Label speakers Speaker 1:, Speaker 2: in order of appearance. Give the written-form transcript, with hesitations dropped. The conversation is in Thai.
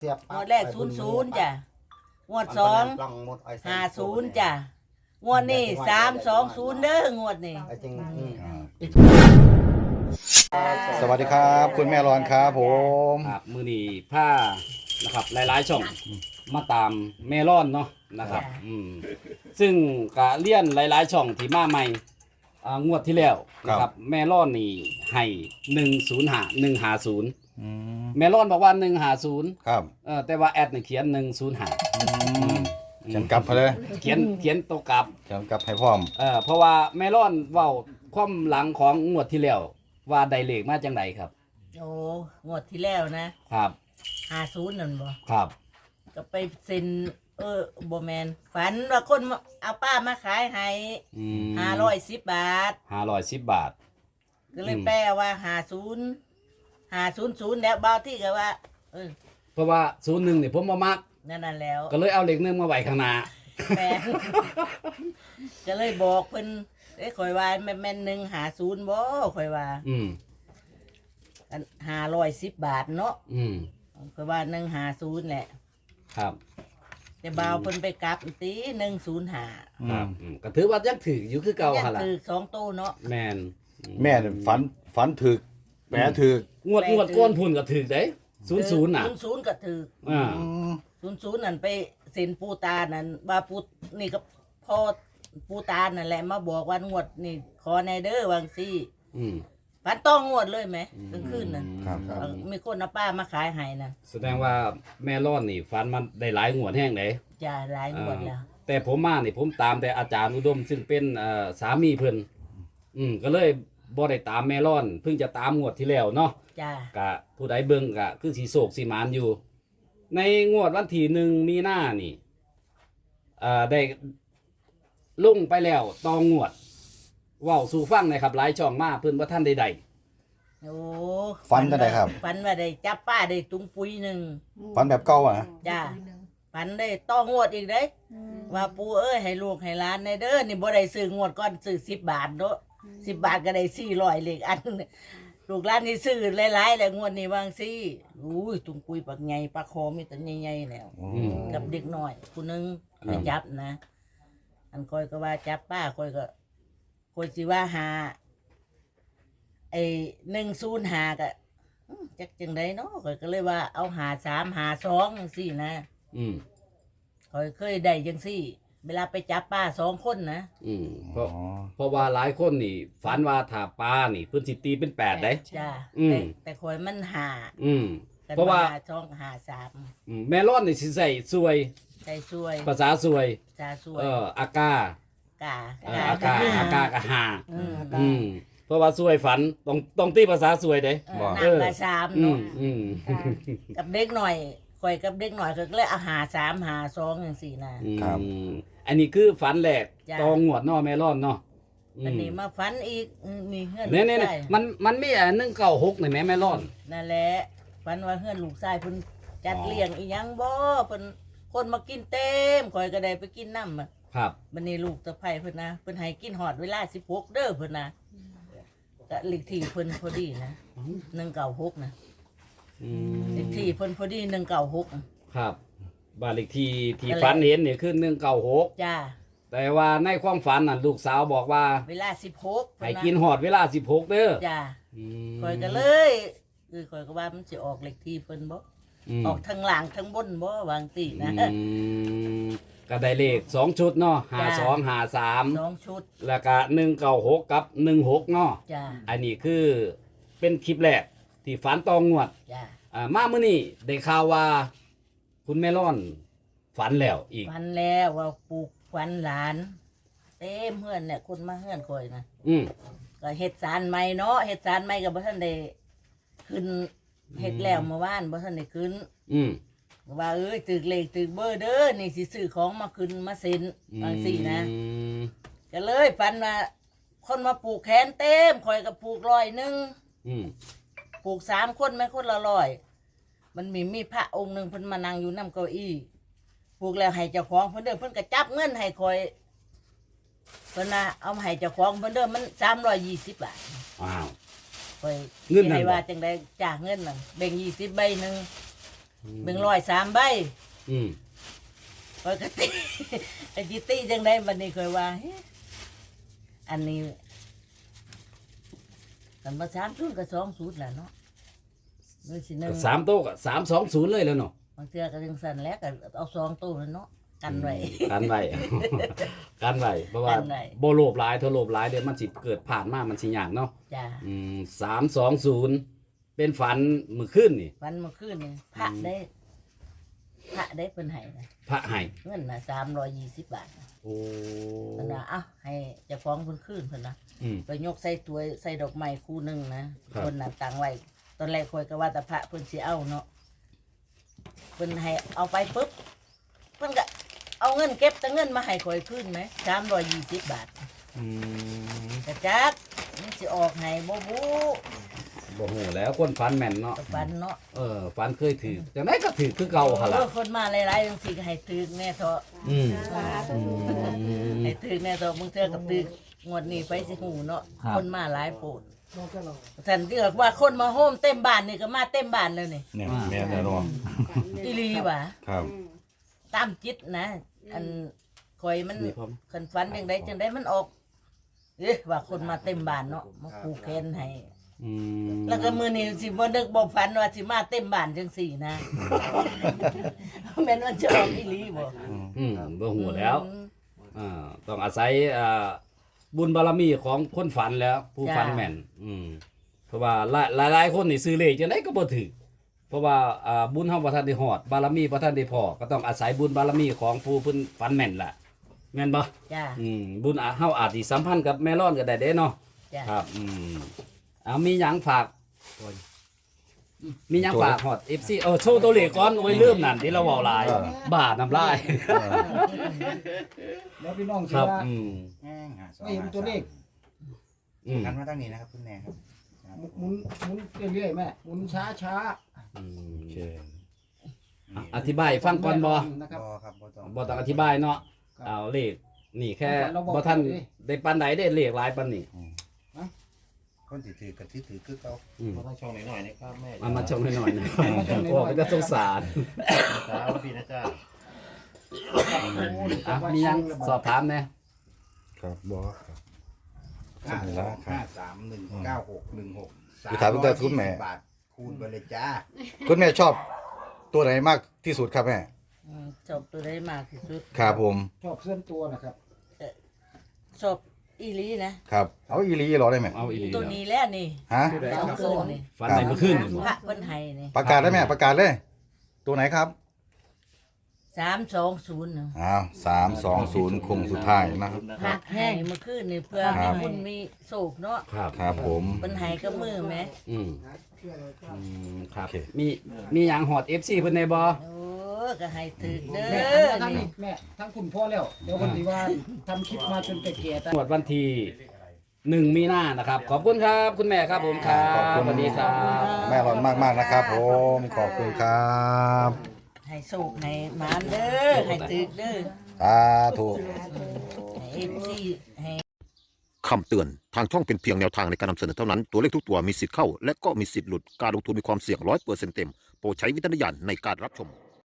Speaker 1: งวดแรก00จ้ะงวด2 50จ้ะงวดนี้320เด้องวดนี้
Speaker 2: สวัสดีครับคุณแม่รอนครับผม
Speaker 3: ครับมือนี้ผ้านะครับหลายๆช่องมาตามเมลอนเนาะนะครับซึ่งกะเลี่ยนหลายๆช่องที่มาใหม่งวดที่แล้วนะครับเมลอนนี่ให้150เมลอนบอกว่า150
Speaker 2: ครับ
Speaker 3: แต่ว่าแอดนี่เขียน105
Speaker 2: เขียนกลับไปเลย
Speaker 3: เขียนตัวกลับ
Speaker 2: เขียนกลับให้พร้อม
Speaker 3: เพราะว่าเมลอนเว้าความหลังของงวดที่แล้วว่าได้เลขมาจังไดครับ
Speaker 1: โอ้งวดที่แล้วนะครับ50นั่นบ่
Speaker 3: ครับ
Speaker 1: ก็ไปเซ็นบ่แม่นฝันว่าคนเอาป้ามาขายให้510 บาท
Speaker 3: 510 บาท
Speaker 1: ก็เลยแปลว่า500แล้วบางที่ก็ว่า
Speaker 3: เพราะว่า01นี่ผมบ่มัก
Speaker 1: นั่นแล้ว
Speaker 3: ก็เลยเอาเลข1มาไว้ข้างหน้า
Speaker 1: แม่ก็เลยบอกเพิ่นข่อยว่าแม่น150บ่ข่อยว่า510 บาทเนาะข่อยว่า150แหละ
Speaker 3: ครับ
Speaker 1: แต่บ่าวเพิ่นไปกลับตี105
Speaker 3: ครับก็ถือว่ายังถืออยู่คือเก่าหั่นล่ะ
Speaker 1: ถือ2โตเนาะ
Speaker 3: แม่น
Speaker 2: แม่ฝันถึกแหมถึก
Speaker 3: งวดก้อนพุ่นก็ถือเด้00น่ะ
Speaker 1: 00ก็ถือ00นั่นไปเซ็นปูตานั่นว่าปูนี่ก็พ่อปูตานั่นแหละมาบอกว่างวดนี่ขอในเด้อวางซี่ฝันต้องงวดเลยไหมกลางคืนนั่นมีคนเอาป้ามาขายให้นั่น
Speaker 3: แสดงว่าแม่ร้อนนี่ฝันมันได้หลายงวดแห้งเลย
Speaker 1: จ้าหลายงวดแล้ว
Speaker 3: แต่ผมมานี่ผมตามแต่อาจารย์อุดมซึ่งเป็นสามีเพิ่นก็เลยบ่ได้ตามแม่ร้อนเพิ่งจะตามงวดที่แล้วเนาะ
Speaker 1: จ้าก
Speaker 3: ะผู้ใดเบิ่งกะคือสีโศกสีหมานอยู่ในงวดวันที่1มีนานี่ได้ลงไปแล้วตองงวดเว้าสู่ฟังหน่อยครับหลายช่องมาเพิ่นบ่ทันได้
Speaker 1: โอ้
Speaker 2: ฝันได้ครับ
Speaker 1: ฝันว่าได้จับป้าได้ตุงปุยนึง
Speaker 2: ฝันแบบเก่าอ่ะ
Speaker 1: จ้าฝันได้ต้องงวดอีกเด้ว่าปู่ให้ลูกให้หลานในเด้อนี่บ่ได้ซื้องวดก่อนซื้อ10 บาทเนาะ10 บาทก็ได้400เลขอันลูกหลานนี่ซื้อหลายๆแล้วงวดนี้วางซี่อุ้ยตุงปุยปักใหญ่ปลาคอมีแต่ใหญ่ๆแล้วกับเด็กน้อยผู้นึงไปจับนะอันคอยก็ว่าจับป้าคอยสิว่าหา105ก็จักจังไดเนาะคอยก็เลยว่าเอา53 52จังซี่นะคอยเคยได้จังซี่เวลาไปจับป้า2คนนะ
Speaker 3: เพราะว่าหลายคนนี่ฝันว่าถ้าปลานี่เพิ่นสิตีเป็น8ได้
Speaker 1: จ้าแต่คอยมัน
Speaker 3: เพราะว่า
Speaker 1: 53
Speaker 3: แม่ร้อนนี่สิใส่ซวย
Speaker 1: ใส่ซวย
Speaker 3: ภาษาซวยอากาก็หาเพราะว่าซวยฝันต้องตีภาษาซวยเด้
Speaker 1: นัก3เนาะกับเด็กหน่อยข่อยกับเด็กหน่อยก็เลยเอา53 52จังซี่นะครับ
Speaker 3: อันนี้คือฝันแรกตองงวดเนาะแม่ร้อนเนาะ
Speaker 1: อันนี้มาฝันอีกนี่เฮือน
Speaker 3: นี่มันมี196นี่แม่ร้อน
Speaker 1: นั่นแหละฝันว่าเฮือนลูกชายเพิ่นจัดเลี้ยงอีหยังบ่เพิ่นคนมากินเต็มข่อยก็ได้ไปกินน้ำ
Speaker 3: ครับ
Speaker 1: บัดนี้ลูกสะใภ้เพิ่นนะเพิ่นให้กินฮอดเวลา16เด้อเพิ่นนะก็เลขที่เพิ่นพอดีนะ196นะเลขที่เพิ่นพอดี196
Speaker 3: ครับบ้านเลขที่ฝันเห็นนี่คือ196
Speaker 1: จ้า
Speaker 3: แต่ว่าในความฝันน่ะลูกสาวบอกว่า
Speaker 1: เวลา16
Speaker 3: ให้กินฮอดเวลา16เด้อ
Speaker 1: จ้าข่อยก็เลยข่อยก็ว่ามันสิออกเลขที่เพิ่นบ่ออกทั้งหลังทั้งบนบ่วางสินะ
Speaker 3: ก็ได้เลข2ชุดเนาะ52 53
Speaker 1: 2ชุด
Speaker 3: แล้วก็196กับ16เนาะ
Speaker 1: จ้า
Speaker 3: อันนี้คือเป็นคลิปแรกที่ฝันตองงวด
Speaker 1: จ้า
Speaker 3: มามื้อนี้ได้ข่าวว่าคุณแม่ร้อนฝันแล้วอีก
Speaker 1: ฝันแล้วว่าปลูกฝันหลานเต็มเฮือนเนี่ยคนมาเฮือนข่อยนะก็เฮ็ดศาลใหม่เนาะเฮ็ดศาลใหม่ก็บ่ทันได้ขึ้นเฮ็ดแล้วเมื่อวานบ่ทันได้ขึ้นว่าตึกเลขตึกเบอร์เด้อนี่สิซื้อของมาขึ้นมาเซ็นบางสี่นะก็เลยฝันว่าคนมาปลูกแขนเต็มข่อยก็ปลูก100ปลูก3คนแม่คนละ100มันมีพระองค์นึงเพิ่นมานั่งอยู่นำเก้าอี้ปลูกแล้วให้เจ้าของเพิ่นเด้อเพิ่นก็จับเงินให้ข่อยเพิ่นน่ะเอามาให้เจ้าของเพิ่นเด้อมัน320 บาท
Speaker 3: ว้าว
Speaker 1: ข่อยเงินให้ว่าจังได๋จ้าเงินนั่นแบ่ง20ใบนึงเบิ่งร้อยสามใบ
Speaker 3: อืม
Speaker 1: ปกติ ไอ้จิตี้จังได้บัดนี้เคยว่าเฮ้อันนี้กันมา30กับ20แหละเนาะมื้อสิหนึง
Speaker 3: สามโต๊ะก็320เลยแล้วเนาะ
Speaker 1: บางเทื่อก็จังซั่นแล้วก็เอา2ตู้แล้วเนาะกันไว้
Speaker 3: กันไว้ กันไว้เพราะว่า
Speaker 1: กันไว้
Speaker 3: บ่โลภหลายถ้าโลภหลายเดี๋ยวมันสิเกิดผ่านมามันสิยากเนาะ
Speaker 1: จ้า
Speaker 3: 320เป็นฝันมื้อคืนนี่
Speaker 1: วันเมื่อคืนนี่พระได้เพิ่นให้นะ
Speaker 3: พระให้
Speaker 1: เงินน่ะ320 บาทนะ
Speaker 3: โอ้
Speaker 1: เพิ่นว่าเอ้าให้เจ้าของเพิ่นคืนเพิ่นนะ
Speaker 3: อืม
Speaker 1: ไปยกใส่ตัวใส่ดอกไม้คู่หนึงนะครับ คนน่ะตังไว้ตอนแรกคอยก็ว่าแต่พระเพิ่นสิเอาเนาะเพิ่นให้เอาไปปุ๊บเพิ่นก็เอาเงินเก็บแต่เงินมาให้คอยคืนไหม320 บาท
Speaker 3: อืม
Speaker 1: กระจักมันสิออกให้บ่บู
Speaker 3: บ่ฮู้แล้วคนฝันแม่นเนาะ
Speaker 1: ตะปันเนาะ
Speaker 3: ฝันเคยถือจังได๋ก็ถือคือเก่าหั่นล่ะ
Speaker 1: คนมาหลายๆจังซี่ก็ให้ตึกแน่เถาะ
Speaker 3: อืม
Speaker 1: ให้ตึกแน่เถาะมึงเทื่อกับตึกงวดนี้ไปสิหูเนาะ
Speaker 3: ครับ
Speaker 1: คนมาหลายโพดสันที่บอกว่าคนมาโฮมเต็มบ้านนี่ก็มาเต็มบ้านแล้วนี่
Speaker 2: เนี่ยแม่นแน่นอน
Speaker 1: อีหลีว่ะ
Speaker 2: ครับ
Speaker 1: ตามจิตนะ อันคอยมัน
Speaker 3: นี่พร้อม
Speaker 1: คันฝันจังไดจังไดมันออกเอ๊ะว่าคนมาเต็มบ้านเนาะมาผูกแขนให้
Speaker 3: อืม
Speaker 1: แล้วก็มื้อนี้สิบ่นึกบ่ฝันว่าสิมาเต็มบ้านจังสี่นะ แม่นว่าจะออกอีหลีบ่
Speaker 3: บ่ฮู้แล้วต้องอาศัยบุญบารมีของคนฝันแล้ว ผู้ฝันแม่นเพราะว่าหลายคนนี่ซื้อเลขจังไดก็บ่ถูกเพราะว่าบุญเฮาบ่ทันได้ฮอดบารมีบ่ทันได้พอก็ต้องอาศัยบุญบารมีของผู้เพิ่นฝันแม่นล่ะแม่นบ่
Speaker 1: จ้า
Speaker 3: บุญเฮาอาจสิสัมพันธ์กับแม่ร้อนก็ได้เด้เนาะ
Speaker 1: จ้า
Speaker 3: ครับเอามีหยังฝากมีหยังฝากฮอด FC โชว์ตัวเลขก่อนโอ้ยลืมนั่นที่เราเว้าหลายบาดน้ำลาย
Speaker 4: แล้วพี่น้อง
Speaker 3: ค
Speaker 4: สิ
Speaker 3: รับ
Speaker 4: ว่า ไม่เห็นตัวเลข
Speaker 5: กันมาตั้งนี้นะครับคุณแม่ครับ
Speaker 4: หมุนเรื่อยๆแม่หมุนช้าช้า
Speaker 2: โอเค
Speaker 3: อธิบายฟังก่อนบ่
Speaker 4: นะครับ
Speaker 5: บอครับบอต้อง
Speaker 3: บ่ต้องอธิบายเนาะ
Speaker 4: ครับ
Speaker 3: เอาเลขนี่แค่
Speaker 4: เราบอก
Speaker 3: บ่ทัน
Speaker 4: เลย
Speaker 3: ได้ปานใดได้เลขหลายปานนี้
Speaker 5: คนถือกับที่ถือคือเขา
Speaker 6: มาตั้งช่องหน่อยๆนะครับแม่
Speaker 3: เอามาชมให้หน่อยนะ
Speaker 4: มาชมหน่อย
Speaker 3: โอ้เป็นสงสาร
Speaker 6: ครับพี่นะจ๊ะ
Speaker 3: มีหยังสอบถามแน่
Speaker 2: ครับบอครับ
Speaker 5: 535319616
Speaker 2: ไปถามคุณตาคุณแม่
Speaker 5: บาทคูณไปเลยจ้า
Speaker 2: คุณแม่ชอบตัวไหนมากที่สุดครับแม่
Speaker 1: ชอบตัวใดมากที่สุด
Speaker 2: ครับผม
Speaker 4: ชอบเส้นตัวนะครับ
Speaker 1: ชอบอีหลีนะ
Speaker 2: ครับเอาอีหลีเหรอได้ไหม
Speaker 3: เอาอีหลี
Speaker 1: ตัว
Speaker 3: แล้ว
Speaker 1: นี้แล้วนี่
Speaker 2: ฮะ
Speaker 1: สองคืนนี่
Speaker 3: ฝันในเมื่อคืนนี่บ่
Speaker 1: พระเพิ่นให้นี่
Speaker 2: ประกาศได้ไหมประกาศเลย ตัวไหนครับ
Speaker 1: 320นะ
Speaker 2: อ้าว320คงสุดท้ายนะครับ
Speaker 1: พระให้เมื่อคืนนี่เพื่อให้บุญมีโศกเนาะ
Speaker 3: ครับ
Speaker 2: ครับผม
Speaker 1: เพิ่นให้กับมือแหม
Speaker 3: ครับ
Speaker 2: โอเค
Speaker 3: มีหยังฮอด FC เพิ่นได้บ่
Speaker 1: โอ้ก็ให้ถึกเด้
Speaker 4: แม่
Speaker 1: อ
Speaker 4: ทั้ง
Speaker 1: นี่
Speaker 4: นี้แม่ทั้งคุณพ่อแล้ว เดี๋ยวคนที่ว่าทำคลิปมาจนแก่ๆแต่
Speaker 3: งวดวันที่1มีนานะครับ ขอบคุณครับคุณแม่ครับผมครับ
Speaker 2: ขอบคุณ
Speaker 3: สวัสดีครับ
Speaker 2: แม่ร้อนมากๆนะครับผมขอบคุณครับ
Speaker 1: ให้โศกให้หมานเด้อให้ถึกเด้อ
Speaker 2: สาธุ
Speaker 1: ให้ FC ให้
Speaker 7: คำเตือน ทางช่องเป็นเพียงแนวทางในการนำเสนอเท่านั้น ตัวเลขทุกตัวมีสิทธิ์เข้า และก็มีสิทธิ์หลุด การลงทุนมีความเสี่ยง100%เต็ม โปรดใช้วิจารณญาณในการรับชม